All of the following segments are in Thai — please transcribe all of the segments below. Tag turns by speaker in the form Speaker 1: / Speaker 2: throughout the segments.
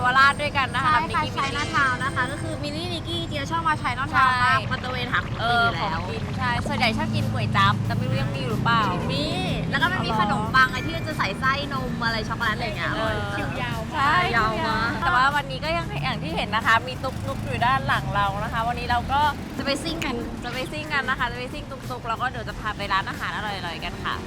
Speaker 1: ราชด้วยกันนะคะ
Speaker 2: ใช่ค่ะ
Speaker 1: นิก
Speaker 2: ใช้
Speaker 1: กี้
Speaker 2: หน้าทาวน์นะคะ ก็คือมิลลี่นิกกี้เจียชอบมาใช้หน้าทาวน์มากมาตะเวนหาของกินอยู่
Speaker 1: ของ
Speaker 2: แล้ว
Speaker 1: กินใช่ส่วนใหญ่ชอบกินก๋วยจั๊บแต่ไม่รู้ยังมีอยู่หรือเปล่า
Speaker 2: มีแล้วก็มันมีขนมปังไอที่จะใส่ไส้นมอะไรช็อกโกแลตอะไรอย่างเงี้ยอร่อย
Speaker 1: คิวยาว
Speaker 2: ใช่ยาวมาก
Speaker 1: แต่ว่าวันนี้ก็ยังอย่างที่เห็นนะคะ มีตุ๊กๆอยู่ด้านหลังเรานะคะ วันนี้เราก็จะไปซิ่งกันนะคะจะไปซิ่งตุ๊กๆแล้วก็เดี๋ยวจะพาไปร้านอาหารอร่อยๆกันค่ะ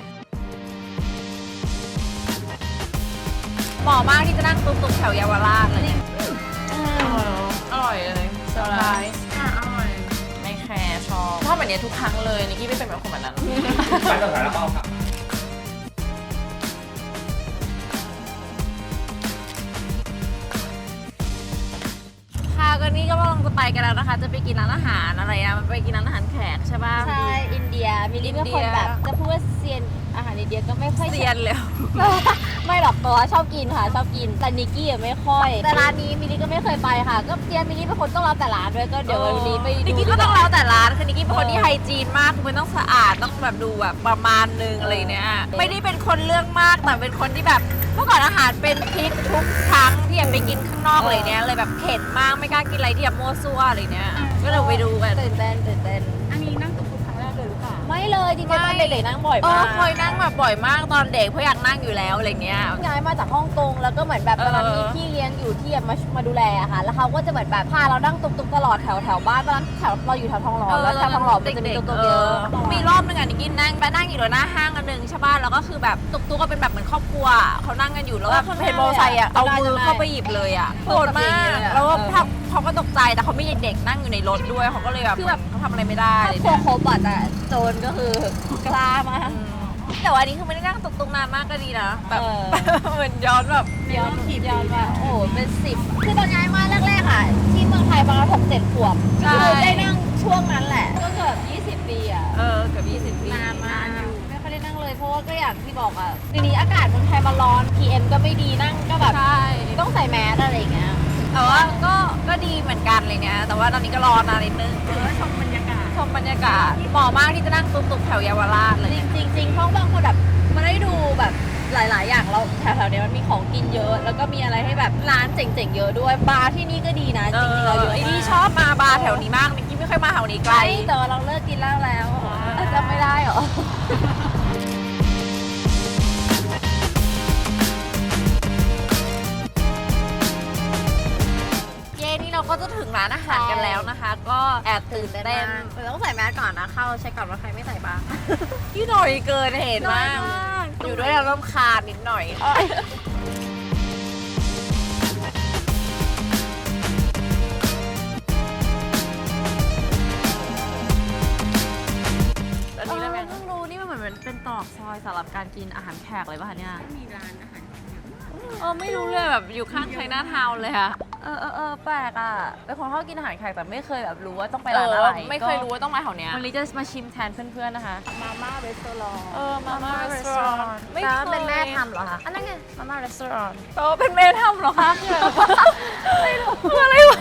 Speaker 1: เหมาะมากที่จะนั่งตุ๊กๆแถวเยาวราชเลยอร่อยเลยเซอร์ไพรส์
Speaker 2: อร่อย
Speaker 1: ไม่แคร์ชอบแบบนี้ทุกครั้งเลยนิกกี้ไม่เป็นแบบคนแบบนั้น
Speaker 3: ไปต่อสายแล้วเปล่าครับ
Speaker 1: ค่ะก็นี่ก็กำลังจะไปกันแล้วนะคะ จะไปกินร้านอาหารอะไรอะมันไปกินร้านอาหารแขกใช่ป่ะ
Speaker 2: ใช่อินเดียมิลลี่เป็นคนแบบจะพูดว่าเซียนอาหารอินเดียก็ไม่ค่อย
Speaker 1: เซียนเลย
Speaker 2: ไม่หรอกตัวชอบกินค่ะชอบกินแต่นิกกี้ไม่ค่อยแต่ร้านนี้มิลลี่ก็ไม่เคยไปค่ะก็เจียมิลลี่เป็นคนต้องรับแต่ร้านด้วยก็เดี๋ยววันนี้ไปดู
Speaker 1: นิกกี้ก็ต้องแล้วแต่ร้านคือนิกกี้เป็นคนที่ไฮจีนมากคือมันต้องสะอาดต้องแบบดูแบบประมาณนึงอะไรเนี่ยไม่ได้เป็นคนเรื่องมากแต่เป็นคนที่แบบเมื่อก่อนอาหารเป็นพิษทุกครั้งที่อยากไปกินข้างนอกเลยเนี่ยเลยแบบเข็ดมากไม่กล้ากินอะไรที่แบบมั่วซั่วอะไรเนี่ยก็เดี๋ยวไปดูกัน
Speaker 2: ตื่นเต้น
Speaker 4: อันนี้นั่งตุ๊กๆครั้งแรกเลยหรือเปล่า
Speaker 2: ไม่เลยจริงๆตอนเด็กๆนั่งบ่อย
Speaker 1: เอ
Speaker 2: มา
Speaker 1: อก เคยนั่งแบบบ่อยมากตอนเด็กเพราะอยากนั่งอยู่แล้วอะไรเงี้ย
Speaker 2: ย้ายมาจากฮ่องกงแล้วก็เหมือนแบบตอนนั้นมีพี่เลี้ยงอยู่ที่มาดูแลอะค่ะแล้วเขาก็จะเหมือนแบบพาเรานั่งตุกๆตลอดแถวบ้านตอนนั้นแถวเราอยู่แถวทองหล่อแล้วแถวทองหล่อมันจะมีตุกๆเยอะ
Speaker 1: มีรอบนึงอ่ะนิกกี้นั่งไปนั่งอยู่หน้าห้างอันนึงใช่ป่ะแล้วก็คือแบบตุ๊กก็เป็นแบบเหมือนครอบครัวเขานั่งกันอยู่แล้วแบบเห็นมอเตอร์ไซค์อ่ะเอามือเข้าไปหยิบเลยอ่ะโกรธมากแล้วก็เขาก็ตกใจแต่เขาไม่เด็กนั่งอยู่ในรถด้วยเขาก็เลยแบบคือแบบเขาทำอะไรไม่ได้
Speaker 2: ครอบครัวครบอะแต่โจรก็คือกล้ามาก
Speaker 1: แต่ว่าอันนี้คือไม่ได้นั่งตุ๊กนานมากก็ดีนะแบบเหมือนย้อนแบบ
Speaker 2: ย้อนมาโอ้โหเป็น10คือตอนย้ายมาแรกๆอะที่เมืองไทยประมาณ6-7 ขวบคือได้นั่งช่วงนั้นแหละก็เกือบ20 ปีอะ
Speaker 1: เกือบ20 ปี
Speaker 2: นานมากไม่ค่อยได้นั่งเลยเพราะว่าก็อย่างที่บอกอะทีนี้อากาศเมืองไทยมันร้อน PM ก็ไม่ดีนั่งก็แบบ
Speaker 1: ใช่
Speaker 2: ต้องใส่แมสอะไรอย่างเงี้ย
Speaker 1: แต่ว่าก็ดีเหมือนกันเลยเนี่ยแต่ว่าตอนนี้ก็รอนานนิดนึง
Speaker 4: ชมบรรยากาศ
Speaker 1: ชมบรรยากาศเหมาะมากที่จะนั่งตุ๊กๆแถวเยาวราชเลย
Speaker 2: จริงๆเพราะบางคนแบบมาได้ดูแบบหลายๆ อย่างเราแถวๆเนี้ยมันมีของกินเยอะ แล้วก็มีอะไรให้แบบร้านเจ๋งๆเยอะด้วยบาร์ที่นี่ก็ดีนะจริงๆเราเยอะ
Speaker 1: ไอ้
Speaker 2: มาก
Speaker 1: นี่ชอบมาบาร์แถวนี้มากนิกกี้ไม่ค่อยมาแถวนี้ไกล
Speaker 2: ใช่แต่ว่าเราเลิกกินเหล้าแล้วจำไม่ได้เหรอ
Speaker 1: เย้นี่เราก็จะถึงร้านอาหารกันแล้วนะคะ ก็แอบตื่นเต้น
Speaker 2: แต่ต้องใส่แมสก่อนนะเข้าเช็คก่อนว่าใครไม่ใส่บ้าง
Speaker 1: ที่หน่อยเกินเห็นมาก
Speaker 2: น้อยมาก
Speaker 1: อยู่ด้วยเรารำคาญนิดหน่อยอันนี้แล้วแม่
Speaker 2: เพิ่งรู้นี่มันเหมือนเป็นตรอกซอยสำหรับการกินอาหารแขกเลยป่ะคะเนี่ย
Speaker 4: มีร้านอาหาร
Speaker 1: ไม่รู้เลยแบบอยู่ข้างไชน่าทาวน์เลยค่ะ
Speaker 2: แปลกอ่ะเป็นคนชอบกินอาหารแขกแต่ไม่เคยแบบรู้ว่าต้องไปร้านอะไร
Speaker 1: ไม่เคยรู้ว่าต้องมาแถวเนี้ย
Speaker 2: วันนี้จะมาชิมแทนเพื่อนๆนะคะ
Speaker 4: มาม่าเรสโตอรอง
Speaker 1: มาม่ารีสอร์ท
Speaker 2: แต่ว่าเป็นแม่ทำเหรอคะอันนั้นไงมาม่ารีสอร์ท
Speaker 1: เป็นแม่ทำเหรอคะไม่รู้คืออะไรวะ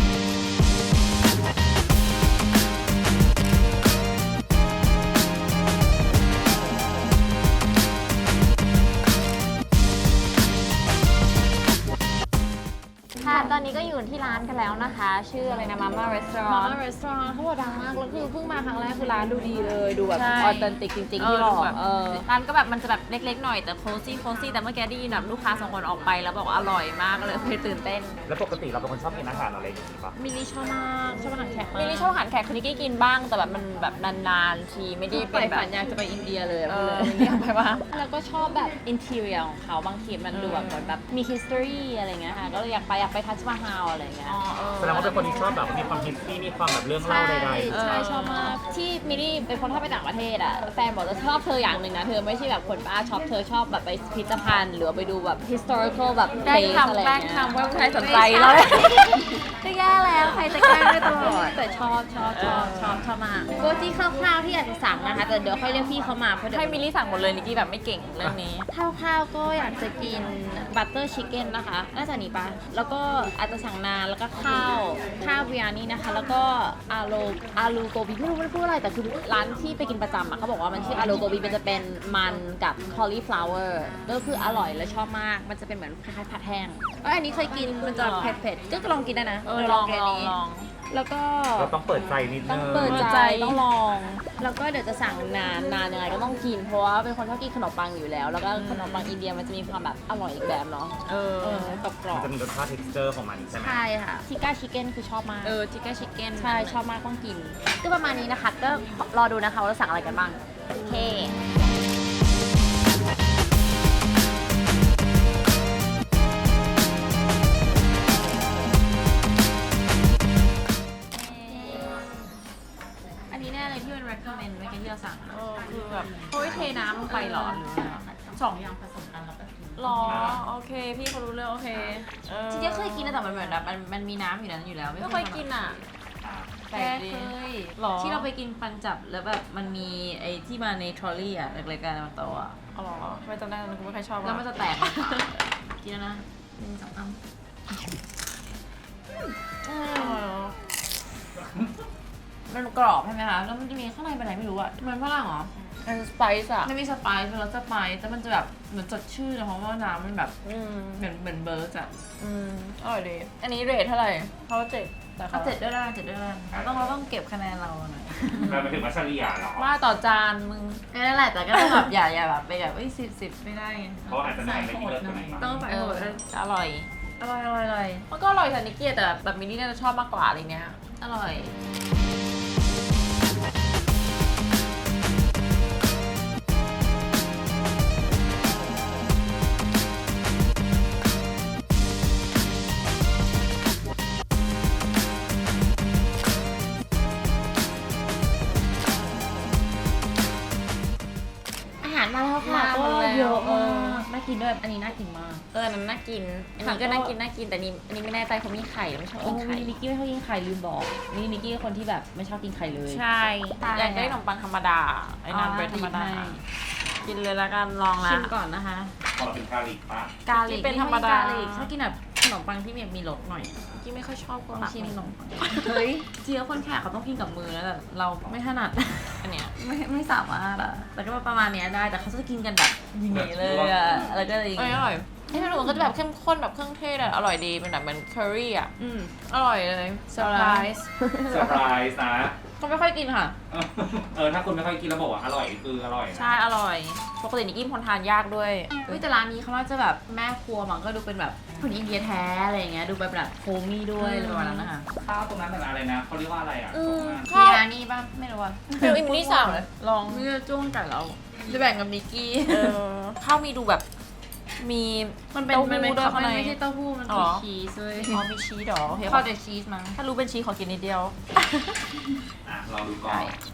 Speaker 2: ค่ะตอนนี้ก็อยู่ที่ร้านกันแล้วนะคะ ชื่ออะไรนะ Mama
Speaker 4: มา
Speaker 2: Restaurant
Speaker 4: ม่าเรสโตอรองเขาบอกดังมากแล้วคือเพิ่งมาครั้งแรกคือร้านดูดีเลยดูแบบ
Speaker 1: ใช่
Speaker 4: ออเทนติกจริงๆที่บอก
Speaker 1: ร้านก็แบบมันจะแบบเล็กๆหน่อยแต่โคซี่แต่เมื่อกี้ได้ยินแบบลูกค้า2 คนออกไปแล้วบอกว่าอร่อยมากเลยตื่นเต้น
Speaker 3: แล้วปกติเราเป็นคนชอบกินอาหารอะไรอย่างนี้ปะ
Speaker 4: มิลลี่ชอบมากชอบอาหารแขกมาก
Speaker 1: มิลลี่ชอบอาหารแขกคือนิกกี้กินบ้างแต่แบบมันแบบนานๆทีไม่ได้
Speaker 4: ที่
Speaker 1: เป็น
Speaker 4: ไป
Speaker 1: แบบ
Speaker 4: ฝันอยากจะไปอินเดียเลยอะพูดเลย
Speaker 1: เรียกไปว่า
Speaker 4: แล้วก็ชอบแบบอินเท i รียของเขาบางทีมันดูแบบเหมือนแบบมี history อะไรเงี้ยค่ะก็เลยอยากไปทัชมาฮาลอะไรเงี้ย
Speaker 3: แสดงว่าเป็นคนที่ชอบแบบมีความฮิสตี้มีความแบบเรื่องเล่าใดๆ
Speaker 4: ใช่ชอบมากที่มิลลี่เป็นคนชอบไปต่างประเทศอ่ะแฟนบอกจะชอบเธออย่างหนึ่งนะเธอไม่ใช่แบบคนบ้าช็อปเธอชอบแบบไปพิพิธภัณฑ์หรือไปดูแบบ historical แบบ
Speaker 1: แกล้ง
Speaker 4: place อะไร
Speaker 1: ทำแกล้ง
Speaker 4: เงี้ย
Speaker 1: ทำว่าใครสนใจแล้ว
Speaker 2: ก็แย่แล้วใครจะแกล้งได้ตลอด
Speaker 4: แต่ชอบมากก็ที่คร่าวๆที่อยากจะสั่งนะคะแต่เดี๋ยวค่อยเรียกพี่เขามาเพราะเดี๋ยว
Speaker 1: ให้มิลลี่สั่งหมดเลยนิกกี้แบบไม่เก่งเรื่องนี้
Speaker 4: คร่าวๆก็อยากจะกินบัตเตอร์ชิคเก้นนะคะน่าจะหนีปะแล้วก็อาจจะสั่งนานแล้วก็ข้าวเบียร์นี่นะคะ แล้วก็อาลูโกบีไม่รู้มันพูดอะไรแต่คือร้านที่ไปกินประจำอะเขาบอกว่ามันชื่ออาลูโกบีมันจะเป็นมันกับ cauliflower ก็คืออร่อยและชอบมากมันจะเป็นเหมือนคล้ายๆผัดแห้งอันนี้เคยกินมันจะเผ็ดๆก็ลองกินได้นะ
Speaker 1: ลอง
Speaker 4: กิน
Speaker 1: ล
Speaker 4: อั
Speaker 1: อน ง
Speaker 4: นี้
Speaker 1: ลอง
Speaker 4: แล้วก็
Speaker 3: เราต้องเปิดใจนิดนึง
Speaker 4: ต้องเปิดใจต้องลอง แล้วก็เดี๋ยวจะสั่งนานยังไงก็ต้องกินเพราะว่าเป็นคนชอบกินขนมปังอยู่แล้ว แล้วก็ขนมปังอินเดียมันจะมีความแบบอร่อยอีกแบบเนาะกรอ
Speaker 3: มัน
Speaker 4: บ
Speaker 3: จะมีรสชาติ texture ของมันใช่ไหม
Speaker 4: ใช่ค่ะทิก้าชิคเก้นคือชอบมาก
Speaker 1: ทิกเก้ชิคเก้น
Speaker 4: ใช่ชอบมากต้องกิน ก็ประมาณนี้นะคะ ก็รอดูนะคะว่าเราสั่งอะไรกันบ้างโอเคอันนี้แน่เลยที่เป็น recommend เมื่อกี้ที่เราสั่งอะ
Speaker 1: คือแบบโอ้ยเทน้ำลงไปเหรอหรืออะไร
Speaker 4: สองอย่างผสมกันแล้วก็กิน
Speaker 1: หรอโอเคพี่เขารู้เรื่องโอเค
Speaker 4: จริงๆเคยกินนะแต่มันเหมือนแบบมันมีน้ำอยู่นั้นอยู่แล้ว
Speaker 1: ไม่เคยกินอ่ะ
Speaker 4: แปลกดี
Speaker 1: หรอ
Speaker 4: ที่เราไปกินปันจับแล้วแบบมันมีไอ้ที่มาในทรอลลี่อะเล็กๆกันมาโตะอะ
Speaker 1: อ๋อเหรอไม่จำได้นะกูไม่ค่อยชอบ
Speaker 4: แล้วมันจะแตกในปากกินแล้วนะหนึ่งสองสามมันกรอบใช่ไหมคะแล้วมันจะมีข้างในเป็นอะไรไม่รู้อะมันฝรั่งเหรอ
Speaker 1: มันสไปซ์อ่ะ
Speaker 4: มันมีสไปซ์เป็นรสสไปซ์แต่มันจะแบบเหมือนสดชื่นนะเพราะว่าน้ำมันแบบเหมือนเบิร์ดอะ
Speaker 1: อร่อยดีอันนี้เรทเท่าไหร่เขาเจ็ดแต่
Speaker 4: เอาเจ็ดด้วยนะเจ็ดด้วยนะเราต้องเก็บคะแนนเราหน่อย
Speaker 3: เราไปถึงมัชรียาเหรอ
Speaker 1: ว่าต่อจานมึง
Speaker 4: นั่นแหละแต่ก็ต้องแบบอย่าแบบไปแบบสิบไม่ได้ไง
Speaker 3: เพราะอาจจะนานไม่กินเลิกตัวไหนมา
Speaker 4: ต้องใส่หมด
Speaker 1: อร่อย
Speaker 4: อร่อย
Speaker 1: มันก็อร่อยแต่นิกเกียแต่แบบมินนี่น่าจะชอบมากกว่าอะไรเงี้ย
Speaker 4: อร่อยอาหารมาแล้วค่ะก็เยอะมากน่ากินด้วยอันนี้น่ากินมาก
Speaker 1: อันนั้นน่ากินอันนี้ก็น่ากินแต่นี่อันนี้ไม่แน่ใจเขามีไข่แล้วไม่ชอบกินไข่
Speaker 4: นิกกี้ไม่ชอบกินไข่ลืมบอกนี่นิกกี้เป็นคนที่แบบไม่ชอบกินไข่เลย
Speaker 1: ใช่อยากได้ขนมปังธรรมดาไอ้นานเบรดธรรมดากินเลยละกันลองละ
Speaker 4: ชิมก่อนนะคะ
Speaker 3: พอถึงกาลิกปะ
Speaker 1: กาลิกเป็นธรรมดา
Speaker 4: ชอบกินแบบขนมปังที่มีรสหน่อย
Speaker 1: กี้ไม่ค่อยชอบก็
Speaker 4: ลองชิมขนมปังเฮ้ยจริงๆคนแขกเขาต้องกินกับมือนะแต่เราไม่ถนัด
Speaker 1: อันเนี้ย
Speaker 4: ไม่สามารถอะแต่ก็ประมาณเนี้ยได้แต่เขาจะกินกันแบบอย่างนี้เลยอะแล้วก็เลย
Speaker 1: อร่อยไอ้ขนมก็จะแบบเข้มข้นแบบเครื่องเทศอะอร่อยดีเป็นแบบเหมือนเคอรี่อะ
Speaker 4: อืม
Speaker 1: อร่อยเลยเซอร์ไพรส์
Speaker 3: เซอร์ไพรส์นะ
Speaker 1: ก็ไม่ค่อยกินค่ะ
Speaker 3: ถ้าคุณไม่ค่อยกินแล้วบอกว่าอร่อยคืออร่อยนะ
Speaker 1: ใช่อร่อยปกตินิกกี้เป็นคนทานยากด้วย
Speaker 4: เฮ้ยแต่ร้านนี้เขาน่าจะแบบแม่ครัวมันก็ดูเป็นแบบคนอินเดียแท้อะไรอย่างเงี้ยดูแบบโฮมี่ด้วยอะไรประมาณนั้นนะคะ
Speaker 3: ข้าวตรงนั้นเป็นอะไรนะเขาเรียกว่าอะไรอ่ะ
Speaker 1: ข้าว
Speaker 4: มีร้านนี้ป่ะไม่รู้อะ
Speaker 1: เดี๋ยวอิมนี่สั่งเลยลอง
Speaker 4: นี่จะจ้วงไก่เราจะแบ่งกับนิกกี้
Speaker 1: ข้าวมีดูแบบมี
Speaker 4: มันเป็น
Speaker 1: เต้าหู้
Speaker 4: มันเป็น
Speaker 1: ด้วยข้างใน
Speaker 4: ไม่ใช่เต้าหู้มัน
Speaker 1: อ๋
Speaker 4: คือ
Speaker 1: อ
Speaker 4: ชีสเลย
Speaker 1: อ๋อมีชีสเหรอโอเค
Speaker 4: ข้าวเดชีสมั้ง
Speaker 1: ถ้ารู้เป็นชีสขอกินนิดเดียว
Speaker 3: ลองดูก่อน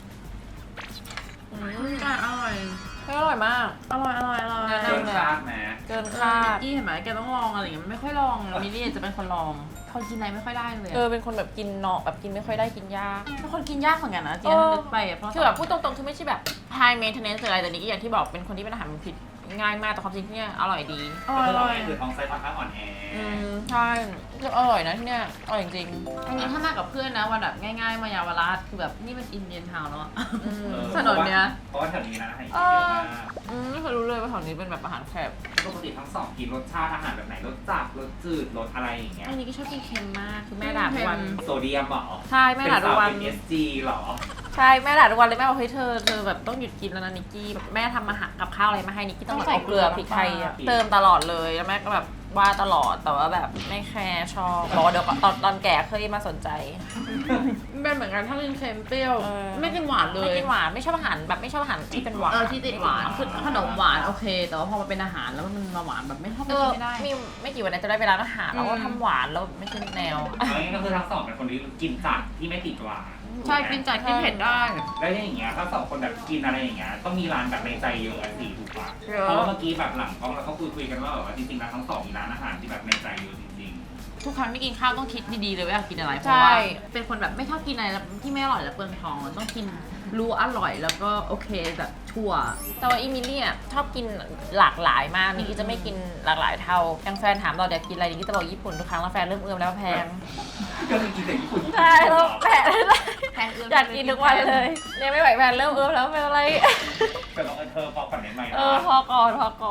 Speaker 4: ไก่อร่อย
Speaker 1: อร่อยมาก
Speaker 4: อร่อย
Speaker 3: เกินคาดนะ
Speaker 1: เกิน
Speaker 4: ค่ะ
Speaker 1: คาด
Speaker 4: กี้เห็นไหมแกต้องลองอะไรอย่างเงี้ยไม่ค่อยลองมิลลี่จะเป็นคนลองคนกินอะไรไม่ค่อยได้เลย
Speaker 1: เป็นคนแบบกินเนาะแบบกินไม่ค่อยได้กินยาก
Speaker 4: เป็นคนกินยากเหมือนกันนะจริงๆลึกไปอ่ะเพราะ
Speaker 1: คือแบบพูดตรงๆคือไม่ใช่แบบ high maintenance หรืออะไรแต่นี่ก็อย่างที่บอกเป็นคนที่เป็นอาหารผิดง่ายมากแต่ความจริงที่เนี่ยอร่อยดี
Speaker 3: คือเราคือท้องไส้ค่อนข้างอ่อนแอ
Speaker 1: ใช่ก็อร่อยนะที่เนี่ยอร่อยจริง
Speaker 4: อันนี้ถ้ามากับเพื่อนนะวันแบบง่ายๆมายาวราชคือแบบนี่มันอินเดียนทาวน์แล้วอะ
Speaker 1: ๆ
Speaker 4: ถนนเนี้ย
Speaker 3: เพราะว่าแถวนี้นะอาหารเยอะมาก
Speaker 1: ไม่เคยรู้เลยว่าแถวนี้เป็นแบบอาหารแคบ
Speaker 3: ปกติทั้งสองกินรสชาติอาหารแบบไหนรสจัดรสจืดรสอะไรอย่างเงี้ย
Speaker 1: อันนี้ก็ชอบกินเค็มมากคือแม่ด่าทุกวัน
Speaker 3: โซเดียมเหรอ
Speaker 1: ใช่แม่ด่าทุกวัน
Speaker 3: เป็น SG เหรอ
Speaker 1: ใช่แม่ด่าทุกวันเลยแม่บอกเฮ้ยเธอแบบต้องหยุดกินแล้วนะนิกกี้แบบแม่ทำอาหารกับข้าวอะไรมาให้นิกกี้ต้องแบบเอาเกลือพริกไทยอะเติมตลอดเลยแล้วแม่ก็แบบว่าตลอดแต่ว่าแบบไม่แคร์ชอบรอเดี๋ยวตอนแก่เคยมาสนใจ
Speaker 4: เป็นเหมือนกันถ้ากินเค็มเปรี้ยวไม่กินหวานเลย
Speaker 1: ไม่กินหวานไม่ชอบอาหารแบบไม่ชอบอาหารที่เป็นหวาน
Speaker 4: ที่ติดหวานคือขนมหวานโอเค แต่ว่าพอมาเป็นอาหารแล้วมันมาหวานแบบไม่ชอบกินไม่ได้
Speaker 1: มีไม่กี่วันนี้จะได้ไปร้านอาหารแล้วก็ทำหวานแล้วไม่ใช่แนว
Speaker 3: อันนี้ก็คือทั้งสองเป็นคนที่กินจัดที่ไม่ติดหวาน
Speaker 4: ใช่กินจัดกินเผ็ดได้
Speaker 3: แล้วอย่างเงี้ยถ้าสองคนแบบกินอะไรอย่างเงี้ยต้องมีร้านแบบในใจเยอะสิถูกปะ
Speaker 1: เยอะ
Speaker 3: เพราะว่าเมื่อกี้แบบหลังกล้องเราก็คุยกันว่าแบบว่าจริงๆแล้วทั้งสองมีร้านอาหารที่แบบในใจเยอะจริง
Speaker 4: ทุกครั้งที่กินข้าวต้องคิดดีๆเลยว่าอยากกินอะไรเพ
Speaker 1: ใช่
Speaker 4: ราะว่าเป็นคนแบบไม่ชอบกินอะไรที่ไม่อร่อยแล้วเปลืองท้องต้องกินรู้อร่อยแล้วก็โอเคแบบทั่ว
Speaker 1: แต่ว่าอีมิลี่อ่ะชอบกินหลากหลายมากนี่จะไม่กินหลากหลายเท่าอย่างแฟนถามเราอยากกินอะไรนี่จะบอกญี่ปุ่นทุกครั้งแล้วแฟนเริ่มเอื้อมแล้วแพง
Speaker 3: ก็คือกินแต่ญี่ปุ่น
Speaker 1: ใช่แล้วแพง
Speaker 2: แพงเอื้อม
Speaker 1: อยากกินทุกวันเลยเนี่ยไม่ไหวแฟนเริ่มเอื้อมแล้วเป็นอะไร
Speaker 3: แต่เราเธอพอคอนเทนต์ใหม่นะ
Speaker 1: พอก่อน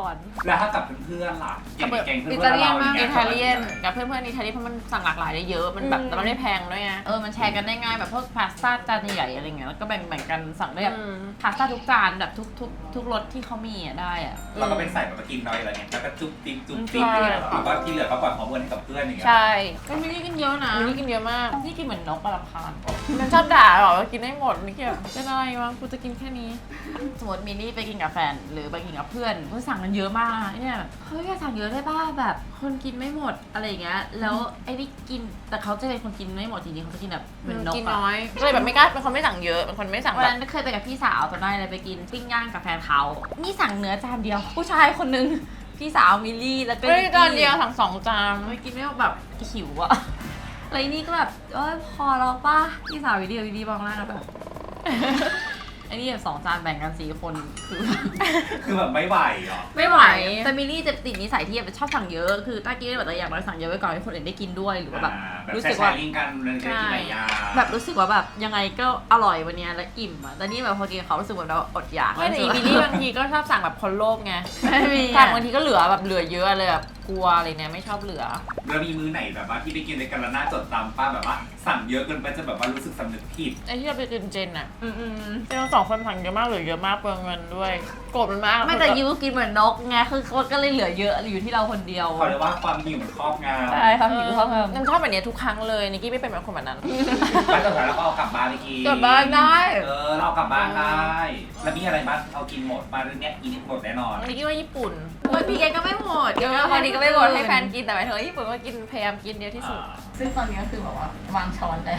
Speaker 3: แล้วถ้ากับเพื่อนๆล่ะอย่างแกงเพื่อน
Speaker 1: อิ
Speaker 3: ๆ
Speaker 1: ตาเลียน
Speaker 3: เรา
Speaker 1: มาก
Speaker 3: อย่าง
Speaker 1: อิ
Speaker 3: เงี้ย
Speaker 1: ตาเลียนกับเพื่อนๆอิตาเลียนเพราะมันสั่งหลากหลายได้เยอะมันแบบแต่มันไม่แพงด้วยไง
Speaker 4: มันแชร์กันได้ง่ายแบบพวกพาสต้าจานใหญ่ๆอะไรเงี้ยแล้วก็แบ่งกันสั่งได้แบบพาสต้าทุกจานแบบทุกรสที่เขามีอ่ะได้อ่ะ
Speaker 3: เราก็เป็นใส่แบบมากินน้อยอะไรเงี้ยแล้วก็จุ๊บติ๊บจุ๊บติ๊บเนี่ยแล้วก็ที่เหลือก็ปล่อยฮอร์โมนให้กับเพื่อนอย่างเงี้ย
Speaker 1: ใช่
Speaker 4: ก็มิลลี่กินเยอะนะ
Speaker 1: มิลลี่กินเยอะมาก
Speaker 4: นี่กินเหมือนนกปลาคาญ
Speaker 1: มันชอบด่าหรอว่ากินได้หมดนี่แบบเป็นอะไรวะกูจะกินแค่นี้
Speaker 4: สมมติมิลลี่ไปกินกับแฟนหรือไปกินกับเพื่อนสั่งกันเยอะมากเนี่ยเฮ้ยสั่งเยอะได้ป่ะแบบคนกินไม่หมดอะไรอย่างเงี้ยแล้วไอ้นี่กินแต่เขาจะเป็นคนกินไม่หมดจริงๆเขาจะกินแบบเหมือนนก
Speaker 1: กิน
Speaker 4: อะ
Speaker 1: น้อยก็เลยแบบไม่กล้าเป็นคนไม่สั่งเยอะเป็นคนไม่สั่ง
Speaker 4: วัน
Speaker 1: แบบ
Speaker 4: นั้นเคยไปกับพี่สาวตอนนั้นเลยไปกินปิ้งย่างกับแฟนเขานี่สั่งเนื้อจานเดียว ผู้ชายคนนึงพี่สาวมิลลี่แล้วก็
Speaker 1: เฮ้ยจานเดียวสั่ง2 จาน
Speaker 4: ไม่กินไม่แบบหิวอะอะไรนี่ก็แบบพอแล้วป่ะพี่สาววิดีโอดีบ้างแล้วแบบ ไอ้นี่แบบ2 จานแบ่งกัน4 คนคือ
Speaker 3: คือแบบไม่ไหวเหรอ
Speaker 4: ไม่ไหวแต่มิลลี่จะติดนิสัยที่แบบชอบสั่งเยอะคือต้ากินแบบอย่างน้อยสั่งเยอะไว้ก่อนให้คนอื่นได้กินด้วยหรือว่าแบบ
Speaker 3: แบบ
Speaker 4: รู้
Speaker 3: แช
Speaker 4: สึก
Speaker 3: ร์
Speaker 4: ว่า
Speaker 3: ลิงกันเลยจะกินหลายอย่าง
Speaker 4: แบบรู้สึกว่าแบบยังไงก็อร่อยวันเนี้ยแล้วอิ่มอะแต่นี่แบบพอกินกับเขารู้สึกแบบเราอดอยาก
Speaker 1: ไม่แต่อีบิลลี่บางทีก็ชอบสั่งแบบคนโลภไง
Speaker 4: ไม่มี
Speaker 1: สั่งบางทีก็เหลือแบบเหลือเยอะเลยแบบกลัวอะไรเนี่ยไม่ชอบเหลือ
Speaker 3: แล้วมีมื้อไหนแบบว่าที่ไปกินในกันแล้วน่าจดจำป้าแบบว่าสั่งเยอะเกินไปจะแบบว่ารู้สึกสำนึกผิด
Speaker 1: ไอ้ที่เราไปกินเจนอะ
Speaker 4: อืม
Speaker 1: เจนเรา2 คนสั่งเยอะมากเหลือเยอะมากเปลืองเงินด้วยโกรธมันมาก
Speaker 4: ไม่แต่ยูกินเหมือนนกไงคือเขาก็เลยเหลือเยอะอยู่ที่เราคนเดียว
Speaker 3: เขาเรียกว่าความหิวมันครอบงำ
Speaker 4: ใช่ครับหิวเขาเพิ่ม
Speaker 1: นันชอบแบบเนี้ยทุกครั้งเลยนิกกี้ไม่เป็นแบบคนแบบนั้น
Speaker 3: แล้วสุดท้ายเราก็เอากลับบ้านไปกิน
Speaker 1: กลับบ้านได้
Speaker 3: เราเอากลับบ้านได้ แล้วมีอะไรบ้างเอากินหมดมาเรื่องเนี้ยกินหมดแน่นอน
Speaker 1: นิกกี้ว่าญี่ปุ่น
Speaker 4: พี่แกก็ไม่หมด
Speaker 1: พอดีก็ไม่หมดให้แฟนกินแต่หมายถึงว่าญี่ปุ่นก็กินพยายามกินเยอะที่สุด
Speaker 4: ซึ่งตอนนี้ก็คือแบบว่าวางช้อนแล้ว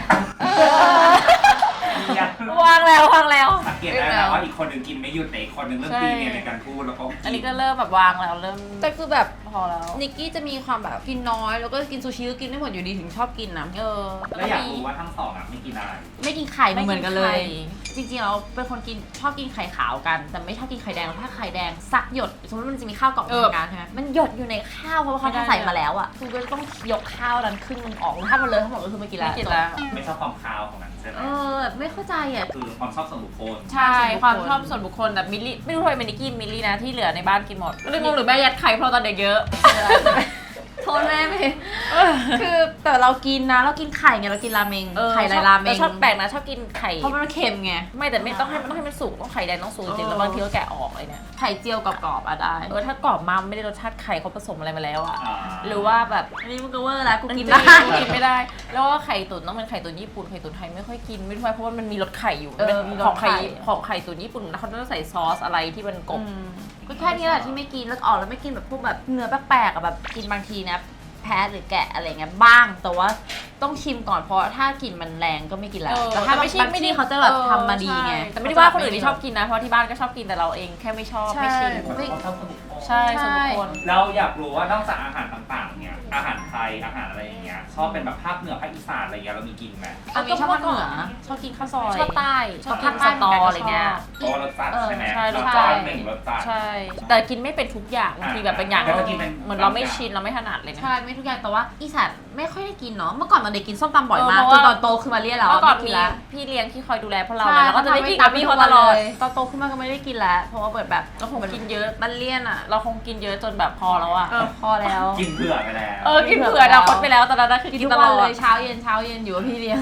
Speaker 1: วางแล้ว
Speaker 3: สังเกตได้นะว่าอีกคนหนึ่งกินไม่หยุดแต่อีกคนหนึ่งเริ่มตีเนี่ยในการพูดแล้วก็
Speaker 1: อันนี้ก็เริ่มแบบวางแล้วเริ่ม
Speaker 4: แต่คือแบบ
Speaker 1: พอแล้ว
Speaker 4: นิกกี้จะมีความแบบกินน้อยแล้วก็กินซูชิก็กินไม่หมดอยู่ดีถึงชอบกินนะ
Speaker 3: แล้วอยากรู้ว่าทั้งสองอ่ะไม่กินอะไร
Speaker 4: ไม่กินไข่เหมือนกันเลย
Speaker 1: ไม่กินไข่
Speaker 4: จริงๆเราเป็นคนกินชอบกินไข่ขาวกันแต่ไม่ชอบกินไข่แดงถ้าไข่แดงซักหยดสมมติมันจะมีข้าวกล่องทำงานใช่ไหมมันหยดอยู่ในข้าวเพราะว่าเขาใส่มาแล้วอ่ะคุณก็ต้องยกข้าวนั้นครึ่งนึงออกถ้ามันเลยทั้งหมดก็คือไม่กินแล้ว
Speaker 1: ไม่กินแล้ว
Speaker 3: ไม่ชอบความคาวของมันใช่ไหม
Speaker 4: ไม่เข้าใจอ่ะ
Speaker 3: คือความชอบส่วนบุคคล
Speaker 1: ใช่ความชอบส่วนบุคคลแบบมิลลี่ไม่รู้ทำไมมิลลี่กินมิลลี่นะที่เหลือในบ้านกินหมดไม่รู้งงหรือแม่ยัดไข่เพราะตอนเด็กเยอะ
Speaker 4: โทษแม่ไม่คือแต่เรากินนะเรากินไข่ไงเรากินราเมงไข่ไรราเมง
Speaker 1: ชอบแปลกนะชอบกินไข่
Speaker 4: เพราะมันเค็มไง
Speaker 1: ไม่แต่ไม่ต้องให้มันสุกต้องไข่แดงต้องสุกจริงๆแล้วบางทีก็แกะออกเลยเนี่ย
Speaker 4: ไข่เจียวกรอบๆอ่ะได้
Speaker 1: ถ้ากรอบมาไม่ได้รสชาติไข่เขาผสมอะไรมาแล้วอะ
Speaker 3: อ่า
Speaker 1: หรือว่าแบบ
Speaker 4: อันนี้มันก็เวอร์แล้วกูกิน
Speaker 1: ได้
Speaker 4: ได้
Speaker 1: กินไม่ได้ แล้วก็ไข่ตุ๋นต้องเป็นไข่ตุ๋นญี่ปุ่นไข่ตุ๋นไทยไม่ค่อยกินไม่ค่อยเพราะว่ามันมีรสไข่อยู่เป็นของไข่ตุ๋นญี่ปุ่นแล้วเขาต้องใส่ซอสอะไรที่มันกบ
Speaker 4: ก็แค่นี้แหละที่ไม่กินแล้วออกแล้วไม่กินแบบพวกแบบเนื้อแปลกๆอ่ะแบบกินบางทีนะแพ้หรือแกะอะไรเงี้ยบ้างแต่ว่าต้องชิมก่อนเพราะถ้ากลิ่นมันแรงก็ไม่กินแล้วแต่ถ้าบางที่เขาจะแบบทำมาดีไง
Speaker 1: แต่ไม่ได้ว่าคนอื่นที่ชอบกินนะเพราะที่บ้านก็ชอบกินแต่เราเองแค่ไม่ชอบไม่ชิม
Speaker 3: ไม่ชอบส่วนบุคคล
Speaker 1: ใช่ส่วนบุคคล
Speaker 3: เราอยากรู้ว่านอกจากอาหารต่างๆเนี่ยอาหารไทยอาหารอะไรอย่างเงี้ยชอบเป็นแบบภาคเหนือภาคอีสานอะไรเงี้ยเรามีกินไหม
Speaker 4: อันนี้ชอบภาคเหนือชอบกินข้าวซอย
Speaker 1: ชอบใต้
Speaker 4: ชอบภาคสตออะไรเงี้ย
Speaker 3: เพราะว่ารสจัดใช่ไหม
Speaker 1: ใช่
Speaker 3: ร
Speaker 1: ร
Speaker 3: ส
Speaker 1: สจั
Speaker 3: จั
Speaker 1: ด
Speaker 3: ดหนึ่งรสจัด
Speaker 1: ใช่ แต่กินไม่เป็นทุกอย่างบางทีแบบเป็นอย่าง
Speaker 3: แต่ก็กินเป็น
Speaker 1: เหมือนเราไม่ชินเราไม่ถนัดเลยนะ
Speaker 4: ใช่ไม่ทุกอย่างแต่ว่าอีสานไม่ค่อยได้กินเนาะเมื่อก่อนตอนเด็กกินส้มตำบ่อยมาก
Speaker 1: เพราะ
Speaker 4: จ
Speaker 1: ว่า
Speaker 4: นตอนโตคือมาเรียกแล้ว
Speaker 1: เมื่อก่อน
Speaker 4: ไม่
Speaker 1: มี
Speaker 4: ละ
Speaker 1: พี่เลี้ยงที่คอยดูแลพวกเรา
Speaker 4: ใช่
Speaker 1: แล้วก็จะได้กินกับพี่เขาตลอด
Speaker 4: ตอนโตขึ้นมาก็ไม่ได้กินแล้วเพราะว่าเปิดแบบ
Speaker 1: เราคงกินเยอะ
Speaker 4: มันเลี่ยนอ่ะ
Speaker 1: เราคงกินเยอะจนแบบพอแล้วอะ
Speaker 4: พอแล้ว
Speaker 3: กินเผื่อไปแล้ว
Speaker 1: กินเผื่อดาวคดไปแล้วตอนนั้นคือ
Speaker 4: กิน
Speaker 1: กิน
Speaker 4: ทุก
Speaker 1: ตล
Speaker 4: วัน
Speaker 1: อ
Speaker 4: เล
Speaker 1: ด
Speaker 4: ยเช้าเย็นอยู่กับพี่เลี้ยง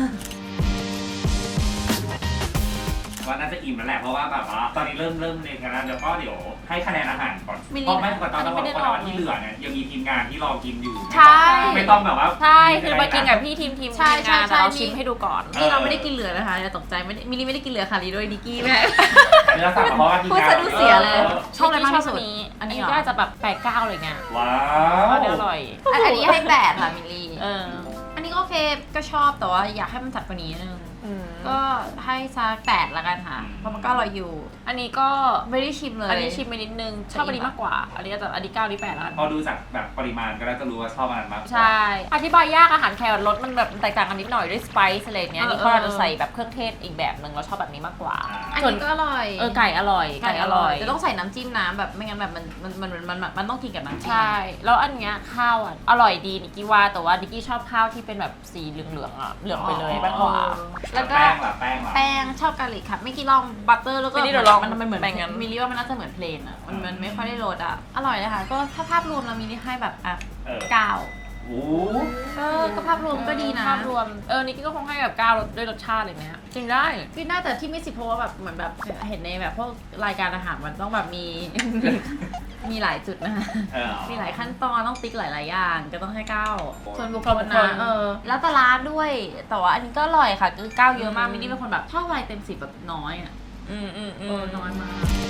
Speaker 3: ว่าน่าจะอิ่มแล้วแหละเพราะว่าแบบว่าตอนนี้เริ่มในกันแล้วเดี๋ยวก็เดี๋ยวให้คะแนนอาหารก่อน
Speaker 4: มิลลิ
Speaker 3: เพราะไม่ก่อนตอนวันที่เหลือเนี่ยยังมีทีมงานที่รอกินอยู่
Speaker 1: ใช่
Speaker 3: ไม่ต้องแบบว่า
Speaker 1: ใช่คือมากินกับพี่ทีม
Speaker 4: ใช่
Speaker 1: งาน
Speaker 4: ใช่
Speaker 1: แต่เรา
Speaker 4: มี
Speaker 1: ชิมให้ดูก่อน
Speaker 4: นี่เราไม่ได้กินเหลือนะคะอย่าตกใจไม่ได้มิลลี่ไม่ได้กินเหลือค่ะลีด้วยดิกกี้แม่
Speaker 3: เนื้อสัตว์เพราะว่าทีม
Speaker 4: พูด
Speaker 3: งาน
Speaker 4: สะดุ้งเสียเลย ชอบอะไรมากที่สุด
Speaker 1: อันนี้
Speaker 4: เหรอ
Speaker 1: ก็จะแบบ8-9อะไรเงี้ย
Speaker 3: ว้า
Speaker 1: ก็
Speaker 3: ว
Speaker 1: อร่อย
Speaker 4: อันนี้ให้8ค่ะมิลลี่
Speaker 1: เออ
Speaker 4: อันนี้ก็โอเคก็ชอบแต่ว่าอยากให้มันจัดกว่านี้นิดนึงก็ให้สัก8ละกันค่ะ เพราะมันก็อร่อยอยู่ อันนี้ก็ไม่ได้ชิมเลย
Speaker 1: อันนี้ชิมไปนิดนึงชอบอันนี้มากกว่า อันนี้จะอันนี้9อันนี้8แล้วกัน
Speaker 3: พอดูจากแบบปริมาณก็น่าจะรู้ว่าชอบอันนั้นมากกว่า
Speaker 1: ใช่ อธิบายยากอาหารแครอทรสมันแบบแตกต่างกันนิดหน่อยด้วยสไปซ์อะไรเงี้ยนี่เขาจะใส่แบบเครื่องเทศอีกแบบนึงเราชอบแบบนี้มากกว่า
Speaker 4: อัน
Speaker 1: ส่วน
Speaker 4: นี้ก็อร่อย
Speaker 1: ไก่อร่อยไก่อร่อย
Speaker 4: จะต้องใส่น้ำจิ้มน้ำแบบไม่งั้นแบบมันต้องกินกับน้ำจิ้ม
Speaker 1: ใช่ แล้วอันเนี้ยข้าวอ่ะอร่อยดีนิกกี้ว่าแต่ว่านิกกี้ชอบข้าวที่เป็นแบบสีเหลืองๆอ่ะเหลืองไปเลยมากกว่า
Speaker 4: แล้วก็
Speaker 3: แป้งล่ะแป้งล่ะ
Speaker 4: แป้งชอบกาลิกค่ะไม่กี่ลองบัตเตอร์แล้วก็
Speaker 1: ไม่ได้เดี๋ยวลอง
Speaker 4: มันเหมือน
Speaker 1: แป้งงั้น
Speaker 4: มิลลี่ว่ามันน่าจะเหมือนเพลนอ่ะมันไม่ค่อยได้รสอ่ะอร่อยเลยค่ะก็ถ้าภาพรวมเรามีนี่ให้แบบอ่ะ
Speaker 3: เออ
Speaker 4: 9
Speaker 3: โอ้
Speaker 4: ก็ภาพรวมก็ดีนะ
Speaker 1: ภาพรวมนิกกี้ก็คงให้แบบ9รสด้วยรสชาติอะไรเงี้ยกินได้
Speaker 4: กินได้แต่ที่ไม่10เพราะว่าแบบเหมือนแบบเห็นในแบบพวกรายการอาหารมันต้องแบบมี มีหลายจุดนะคะ
Speaker 3: เออ
Speaker 4: มีหลายขั้นตอนต้องติ๊กหลายๆอย่างก็ต้องให้9ส่วนบุคคล
Speaker 1: บุคค
Speaker 4: นะ
Speaker 1: ล
Speaker 4: แล้วแต่ร้านด้วย แต่ว่าอันนี้ก็อร่อยค่ะคือ9เยอะมากมินนี่เป็นคนแบบชอบอะไรเต็ม10แบบน้อยอ่ะน้อยมาก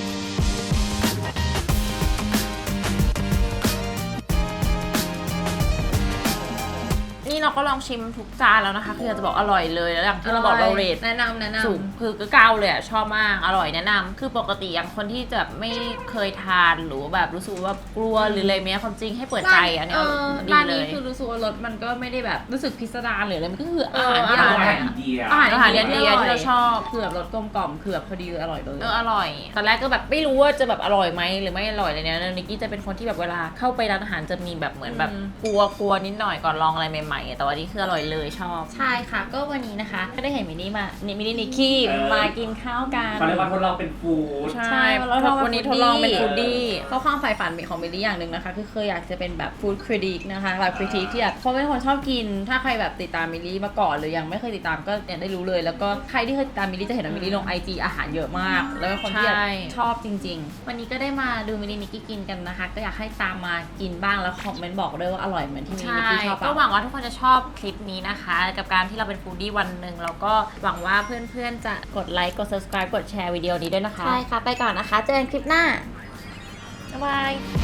Speaker 1: นี่เราก็ลองชิมทุกจานแล้วนะคะคืออยากจะบอกอร่อยเลยแล้วอย่างที่เราบอกเราเรท
Speaker 4: แนะนำ
Speaker 1: สูงคือก็เก้าเลยอ่ะชอบมากอร่อยแนะนำคือปกติอย่างคนที่จะไม่เคยทานหรือแบบรู้สึกว่ากลัวหรืออะไรเนี้ยความจริงให้เปิดใจอันเนี้ยดี
Speaker 4: ร้าน
Speaker 1: เล
Speaker 4: นี้
Speaker 1: ย
Speaker 4: คือรู้สึกว่ารสมันก็ไม่ได้แบบรู้สึกพิสดารหรืออะไรมันก็คืออาหาร
Speaker 1: เออ
Speaker 4: ที่อร่อย
Speaker 3: อาหาร
Speaker 4: อะ
Speaker 3: อินเดีย
Speaker 4: อาหาร
Speaker 1: อินเดียที่เราชอบ
Speaker 4: คือแบบรสกลมกล่อมคือแบบพอดีอร่อยเลย
Speaker 1: อร่อยตอนแรกก็แบบไม่รู้ว่าจะแบบอร่อยไหมหรือไม่อร่อยอะไรเนี้ยนิกกี้จะเป็นคนที่แบบเวลาเข้าไปร้านอาหารจะมีแบบเหมือนแบบกลัวนิดหน่อยก่อนลองอะไรใหม่ๆแต่วันนี้คืออร่อยเลยชอบ
Speaker 4: ใช่ค่ะก็วันนี้นะคะก็ได้เห็นมินนี่นิกกี้มากินข้าวกัน
Speaker 3: เขาเรียกว่าทดลองเป็นฟู้ด
Speaker 1: ใช่วันนี้ทดลองเป็นฟูดดี้
Speaker 4: ก็ความใฝ่ฝันของมิลลี่อย่างหนึ่งนะคะคือเคยอยากจะเป็นแบบฟู้ดคริติกนะคะแบบคริติกที่แบบเพราะเป็นคนชอบกิน ถ้าใครแบบติดตามมิลลี่มาก่อนหรือยังไม่เคยติดตามก็เนี่ยได้รู้เลย แล้วก็ใครที่เคยติดตามมิลลี่จะเห็นว่ามิลลี่ลง IG อาหารเยอะมาก แล้วเป็นคนที่แบบ
Speaker 1: ใช่
Speaker 4: ชอบจริง ๆ วันนี้ก็ได้มาดูมิลลี่นิกกี้กินกันนะคะ ก็อยากให้ตามมากินบ้างแล้วคอมเมนต์บอกด้วยว่าอร่อยเหมือนที่มิลลี่นิกกี้ชอบ
Speaker 1: ก็
Speaker 4: ปะ
Speaker 1: หวังว่าทุกคนจะชอบคลิปนี้นะคะ กับการที่เราเป็นฟูดดี้วันหนึ่งแล้วก็หวังว่าเพื่อนๆจะกดไลค์กด subscribe กดแชร์วิดีโอนี้ด้วยนะคะ
Speaker 4: ใช่ค่ะไปก่อนนะคะเจอกันคลิปหน้า
Speaker 1: บ๊ายบาย